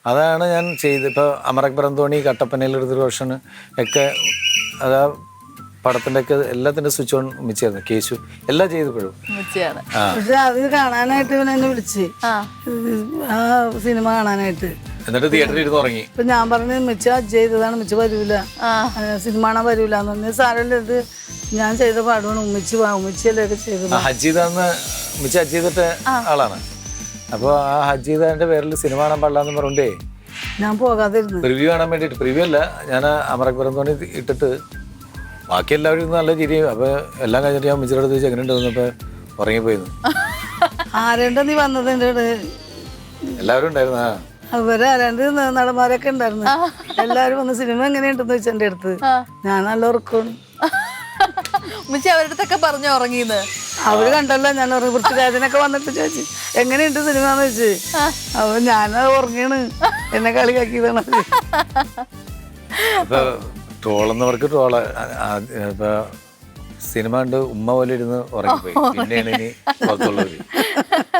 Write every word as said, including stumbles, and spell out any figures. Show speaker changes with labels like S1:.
S1: അതാണ് ഞാൻ ചെയ്ത്. ഇപ്പോൾ അമരക് തോണി കട്ടപ്പനയിൽ എടുത്തൊരു വർഷം ഒക്കെ അതാ പടത്തിൻ്റെ ഒക്കെ എല്ലാത്തിൻ്റെ സ്വിച്ച് ഓൺ ഉമ്മിച്ചായിരുന്നു. കേശു എല്ലാം ചെയ്തപ്പോഴും
S2: പക്ഷെ അത് കാണാനായിട്ട് ഇവൻ എന്നെ വിളിച്ച് ആ സിനിമ കാണാനായിട്ട്.
S1: എന്നിട്ട് തിയേറ്ററിൽ ഇരുന്ന് ഉറങ്ങി.
S2: ഇപ്പൊ ഞാൻ പറഞ്ഞു മിച്ച ചെയ്തതാണ്, മിച്ച വരൂല, സിനിമ കാണാൻ വരൂല എന്ന് പറഞ്ഞ സാരല്ല, ഇത് ഞാൻ ചെയ്ത പാടുമാണ്, ഉമ്മിച്ച് ഉമ്മിച്ചല്ലേ ഒക്കെ ചെയ്തത്.
S1: ഹജീദാന്ന് മിച്ച ഹജ് ചെയ്തിട്ട ആളാണ്. അപ്പോൾ ആ ഹജീദാന്റെ പേരിൽ സിനിമ കാണാൻ പാടില്ലാന്ന് പറഞ്ഞേ
S2: ഞാൻ പോകാതിരുന്നു.
S1: പ്രിവ്യൂ കാണാൻ വേണ്ടിയിട്ട്. പ്രിവ്യൂ അല്ല, ഞാൻ അമരക് തോണി ഇട്ടിട്ട് ബാക്കി എല്ലാവരും നല്ല ചിരിയും. അപ്പൊ എല്ലാം കഴിഞ്ഞിട്ട് ഞാൻ മിച്ചിയുടെ അടുത്ത് വെച്ച് എങ്ങനെയുണ്ട് വന്നപ്പോ ഉറങ്ങിപ്പോയിരുന്നു.
S2: ആരേണ്ട നീ വന്നത് എൻ്റെ
S1: എല്ലാവരും ഉണ്ടായിരുന്നു.
S2: അവര് ആരാണ്ട് നടന്മാരൊക്കെ ഉണ്ടായിരുന്നു. എല്ലാരും വന്ന് സിനിമ എങ്ങനെയുണ്ടെന്ന് വെച്ചാൽ എൻ്റെ അടുത്ത്. ഞാൻ നല്ല ഉറക്കമാണ്.
S3: അവരുടെ അടുത്തൊക്കെ പറഞ്ഞു ഉറങ്ങിന്ന്.
S2: അവര് കണ്ടല്ലോ ഞാൻ ഉറങ്ങി. പൃഥ്വിരാജനൊക്കെ വന്നിട്ട് ചോദിച്ചു എങ്ങനെയുണ്ട് സിനിമ എന്ന് വെച്ച്. അപ്പൊ ഞാനത് ഉറങ്ങിയാണ്, എന്നെ കളിയാക്കിയതാണ്.
S1: ഇപ്പൊ ട്രോളെന്നവർക്ക് ട്രോള്. ഇപ്പൊ സിനിമ കണ്ട് ഉമ്മ പോലെ ഇരുന്ന് ഉറങ്ങിപ്പോയി. പിന്നെയാണ് ഇനി പുറത്തുള്ളവര്